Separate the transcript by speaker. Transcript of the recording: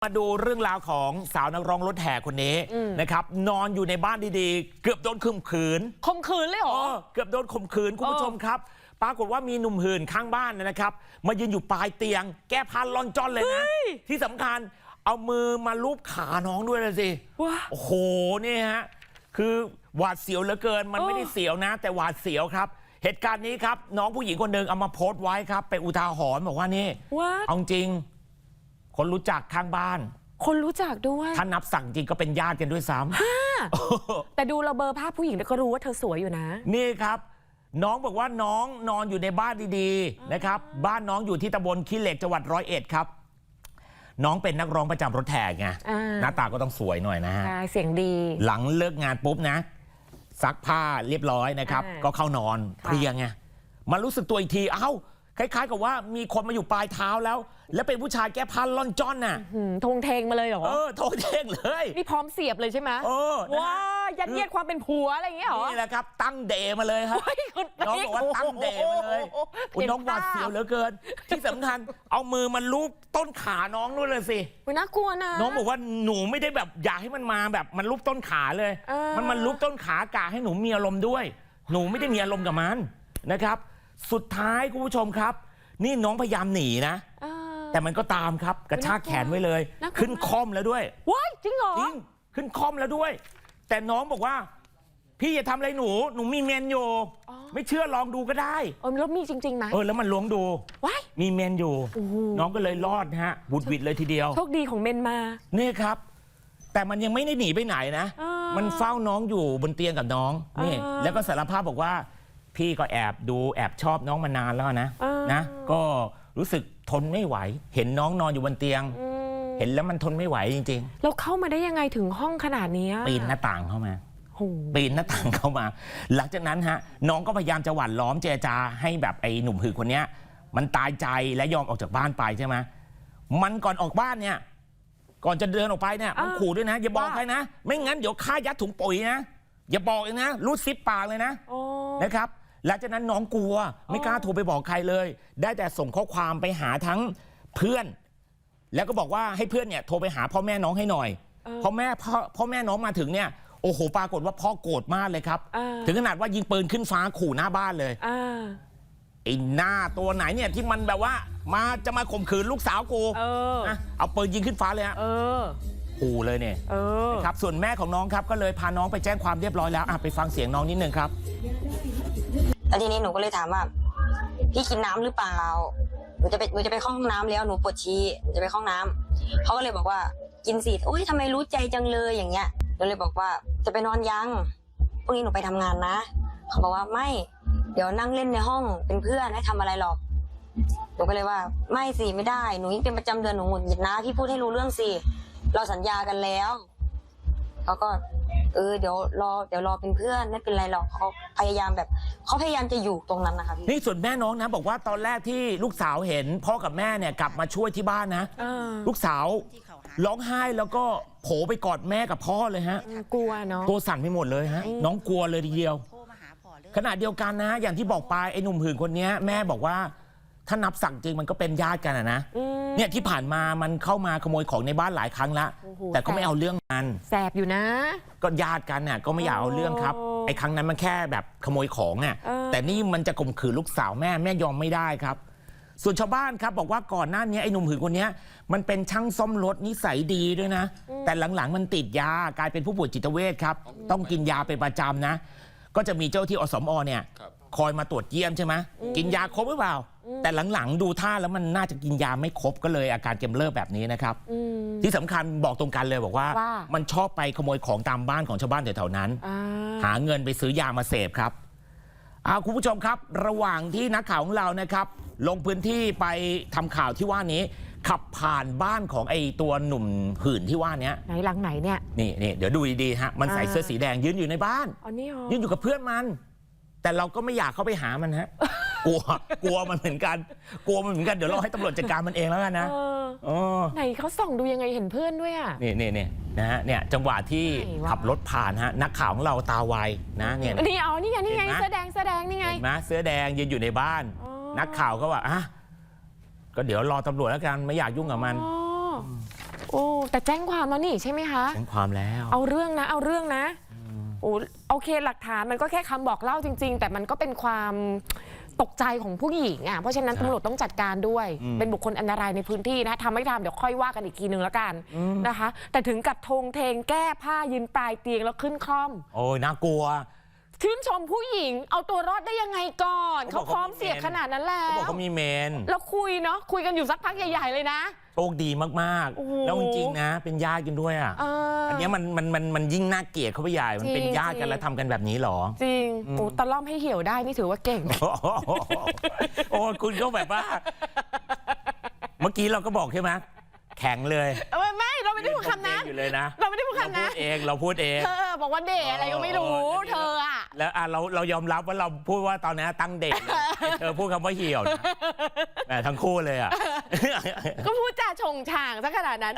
Speaker 1: มาดูเรื่องราวของสาวนักร้องรถแห่คนนี้นะครับนอนอยู่ในบ้านดีๆเกือบโดนข่มขืน
Speaker 2: เลยเหรอ
Speaker 1: เกือบโดนข่มขืนคุณผู้ชมครับปรากฏว่ามีหนุ่มหื่นข้างบ้านนะครับมายืนอยู่ปลายเตียงแก้ผ้าล่อนจ้อนเลยนะที่สำคัญเอามือมาลูบขาน้องด้วยเลยสิโอ้โหนี่ฮะคือหวาดเสียวเหลือเกินมันไม่ได้เสียวนะแต่หวาดเสียวครับเหตุการณ์นี้ครับน้องผู้หญิงคนหนึ่งเอามาโพสต์ไว้ครับเป็นอุทาหรณ์บอกว่านี่เอาจริงคนรู้จักข้างบ้าน
Speaker 2: คนรู้จักด้วย
Speaker 1: ถ้านับสั่งจริงก็เป็นญาติกันด้วยซ้
Speaker 2: ำแต่ดูเราเบอร์ภาพผู้หญิงก็รู้ว่าเธอสวยอยู่นะ
Speaker 1: นี่ครับน้องบอกว่าน้องนอนอยู่ในบ้านดีๆนะครับบ้านน้องอยู่ที่ตำบลขี้เหล็กจังหวัด101ครับน้องเป็นนักร้องประจำรถแห่ไงหน้าตาก็ต้องสวยหน่อยนะฮะ
Speaker 2: เสียงดี
Speaker 1: หลังเลิกงานปุ๊บนะซักผ้าเรียบร้อยนะครับก็เข้านอนเพลียไงมารู้สึกตัวอีกทีเอ้าคล้ายๆกับว่ามีคนมาอยู่ปลายเท้าแล้วเป็นผู้ชายแก้ผ้าล่อนจ้อนน่ะ
Speaker 2: ทงเทงมาเลยเหรอ
Speaker 1: ทงเทงเลย
Speaker 2: นี่พร้อมเสียบเลยใช่ไหมว้ายัดเยียดความเป็นผัวอะไรอย่างเงี้ยเหรอ
Speaker 1: นี่แหละครับตั้งเดมาเลยครับน้องบอกว่าตั้งเดมาเลยน้องหวาดเสียวเหลือเกินที่สำคัญเอามือมันลูบต้นขาน้องด้วยเลยสิ
Speaker 2: น่ากลัวนะ
Speaker 1: น้องบอกว่าหนูไม่ได้แบบอยากให้มันมาแบบมันลูบต้นขาเลยมันลูบต้นขากะให้หนูมีอารมณ์ด้วยหนูไม่ได้มีอารมณ์กับมันนะครับสุดท้ายคุณผู้ชมครับนี่น้องพยายามหนีนะแต่มันก็ตามครับกระชากแขนไว้เลยขึ้นคอมแล้วด้วย
Speaker 2: ว้ายจริงเหรอ
Speaker 1: จริงขึ้นคอมแล้วด้วยแต่น้องบอกว่าพี่อย่าทำอะไรหนูมีเมนอยู่ไม่เชื่อลองดูก็ได้
Speaker 2: แล้วมีจริงๆไหม
Speaker 1: แล้วมันล้วงดู
Speaker 2: ว้าย
Speaker 1: มีเมนอยู่น้องก็เลยรอดฮะบุดวิดเลยทีเดียว
Speaker 2: โชคดีของเมนมา
Speaker 1: นี่ครับแต่มันยังไม่ได้หนีไปไหนนะมันเฝ้าน้องอยู่บนเตียงกับน้องนี่แล้วก็สารภาพบอกว่าพี่ก็แอบดูแอบชอบน้องมานานแล้วนะก็รู้สึกทนไม่ไหวเห็นน้องนอนอยู่บนเตียงเห็นแล้วมันทนไม่ไหวจริง
Speaker 2: ๆแล้วเข้ามาได้ยังไงถึงห้องขนาดนี้
Speaker 1: ปีนหน้าต่างเข้ามาปีนหน้าต่างเข้ามาหลังจากนั้นฮะน้องก็พยายามจะหว่านล้อมเจรจาให้แบบไอ้หนุ่มหื่นคนนี้มันตายใจและยอมออกจากบ้านไปใช่ไหมมันก่อนออกบ้านเนี่ยก่อนจะเดินออกไปเนี่ยมันขู่ด้วยนะอย่าบอกใครนะไม่งั้นเดี๋ยวฆ่ายัดถุงปุ๋ยนะอย่าบอกเองนะรูดซิปปากเลยนะครับหลังจากนั้นน้องกลัวไม่กล้าโทรไปบอกใครเลยได้แต่ส่งข้อความไปหาทั้งเพื่อนแล้วก็บอกว่าให้เพื่อนเนี่ยโทรไปหาพ่อแม่น้องให้หน่อยพ่อแม่น้องมาถึงเนี่ยโอ้โหปรากฏว่าพ่อโกรธมากเลยครับถึงขนาดว่ายิงปืนขึ้นฟ้าขู่หน้าบ้านเลยไอ้หน้าตัวไหนเนี่ยที่มันแบบว่าจะมาข่มขืนลูกสาวกูเอาปืนยิงขึ้นฟ้าเลยฮะขู่เลยเนี่ยครับส่วนแม่ของน้องครับก็เลยพาน้องไปแจ้งความเรียบร้อยแล้วไปฟังเสียงน้องนิดนึงครับ
Speaker 3: แล้วทีนี้หนูก็เลยถามว่าพี่กินน้ำหรือเปล่าหนูจะไปเข้าห้องน้ำแล้วหนูปวดฉี่หนูจะไปเข้าห้องน้ำเขาก็เลยบอกว่ากินสิโอ๊ยทำไมรู้ใจจังเลยอย่างเงี้ยหนูเลยบอกว่าจะไปนอนยังพรุ่งนี้หนูไปทำงานนะเขาบอกว่าไม่เดี๋ยวนั่งเล่นในห้องเป็นเพื่อนให้ทำอะไรหรอกหนูก็เลยว่าไม่สิไม่ได้หนูยิ่งเป็นประจำเดือนหนูหงุดหงิดนะพี่พูดให้รู้เรื่องสิเราสัญญากันแล้วเขาก็เดี๋ยวรอเป็นเพื่อนไม่เป็นไรหรอกเขาพยายามจะอยู่ตรงนั้นนะคะ
Speaker 1: นี่ส่วนแม่น้องนะบอกว่าตอนแรกที่ลูกสาวเห็นพ่อกับแม่เนี่ยกลับมาช่วยที่บ้านนะลูกสาวร้องไห้แล้วก็โผล่ไปกอดแม่กับพ่อเลยฮะ
Speaker 2: กลัวเนาะ
Speaker 1: ตัวสั่นไปหมดเลยฮะน้องกลัวเลยทีเดียวขณะเดียวกันนะอย่างที่บอกไปไอ้หนุ่มหื่นคนนี้แม่บอกว่าถ้านับสั่งจริงมันก็เป็นญาติกันนะเนี่ยที่ผ่านมามันเข้ามาขโมยของในบ้านหลายครั้งละแต่ก็ไม่เอาเรื่องมัน
Speaker 2: แสบอยู่นะ
Speaker 1: ก็ญาติกันน่ะก็ไม่อยากเอาเรื่องครับไอ้ครั้งนั้นมันแค่แบบขโมยของอ่ะแต่นี่มันจะข่มขืนลูกสาวแม่ยอมไม่ได้ครับส่วนชาวบ้านครับบอกว่าก่อนหน้านี้ไอ้หนุ่มหื่นคนนี้มันเป็นช่างซ่อมรถนิสัยดีด้วยนะแต่หลังๆมันติดยากลายเป็นผู้ป่วยจิตเวชครับต้องกินยาเป็นประจำนะก็จะมีเจ้าที่อสม.เนี่ยคอยมาตรวจเยี่ยมใช่ไหมกินยาครบหรือเปล่าแต่หลังๆดูท่าแล้วมันน่าจะกินยาไม่ครบก็เลยอาการกำเริบแบบนี้นะครับที่สำคัญบอกตรงกันเลยบอกว่ามันชอบไปขโมยของตามบ้านของชาวบ้านแถวๆนั้นหาเงินไปซื้อยามาเสพครับคุณผู้ชมครับระหว่างที่นักข่าวของเรานะครับลงพื้นที่ไปทำข่าวที่ว่านี้ขับผ่านบ้านของไอ้ตัวหนุ่มหื่นที่ว่านี้
Speaker 2: ไหนหลังไหนเนี่ย
Speaker 1: นี่เดี๋ยวดูดีๆฮะมันใส่เสื้อสีแดงยืนอยู่ในบ้านยืนอยู่กับเพื่อนมันแต่เราก็ไม่อยากเข้าไปหามันฮะกลัวมันเหมือนกันเดี๋ยวเราให้ตำรวจจัดการมันเองแล้วกันนะ
Speaker 2: ไหนเขาส่องดูยังไงเห็นเพื่อนด้วยอ่ะ
Speaker 1: นี่นะฮะเนี่ยจังหวะที่ขับรถผ่านฮะนักข่าวของเราตาไวนะเนี่ย
Speaker 2: นี่ไงเสื้อแดงนี่ไง
Speaker 1: เห็นไหมเสื้อแดงยืนอยู่ในบ้านนักข่าวก็ว่าก็เดี๋ยวรอตำรวจแล้วกันไม่อยากยุ่งกับมัน
Speaker 2: โอ้แต่แจ้งความแล้วนี่ใช่ไหมคะ
Speaker 1: แจ้งความแล้ว
Speaker 2: เอาเรื่องนะโอ้โอเคหลักฐานมันก็แค่คำบอกเล่าจริง ๆ แต่มันก็เป็นความตกใจของผู้หญิงอ่ะเพราะฉะนั้นตำรวจต้องจัดการด้วยเป็นบุคคลอันตรายในพื้นที่นะทำไม่ทำเดี๋ยวค่อยว่ากันอีกทีนึงแล้วกันนะคะแต่ถึงกับทงเทงแก้ผ้ายืนปลายเตียงแล้วขึ้นคล่อม
Speaker 1: โอ้ยน่ากลัว
Speaker 2: ชื่นชมผู้หญิงเอาตัวรอดได้ยังไงก่อนเขาพร้อมเสี่ยงขนาดนั้นแล้
Speaker 1: เขาบอก
Speaker 2: ว
Speaker 1: เขามีเมน
Speaker 2: แล้วคุยเนาะคุยกันอยู่สักพักใหญ่ๆเลยนะ
Speaker 1: โชคดีมาก
Speaker 2: โอ้โห
Speaker 1: ๆ แล้วจริงๆนะ เป็นญาติกันด้วยอ่ะ อันเนี้ยมันยิ่งน่าเกลียดเข้าไปใหญ่ มันเป็นญาติกันแล้วทำกันแบบนี้เหรอ
Speaker 2: จริงโอ้ตะล่อมให้เหี่ยวได้นี่ถือว่าเก่ง
Speaker 1: โอ้คุณก็แบบว่า เมื่อกี้เราก็บอกใช่ไหมแข็งเลย
Speaker 2: ไม่เราไม่ได้พูดคำนั้น
Speaker 1: อยู่เลยนะ
Speaker 2: เราไม่ได้พูดคำนั้น
Speaker 1: เราพูดเอง
Speaker 2: เธอบอกว่าเดทอะไรก็ไม่รู้เธออะ
Speaker 1: แล้วเรายอมรับว่าเราพูดว่าตอนนี้ตั้งเดทเลยเธอพูดคำว่าเหี่ยวนะแหมทั้งคู่เลยอ่ะ
Speaker 2: ก็พูดจาชงช่างซะขนาดนั้น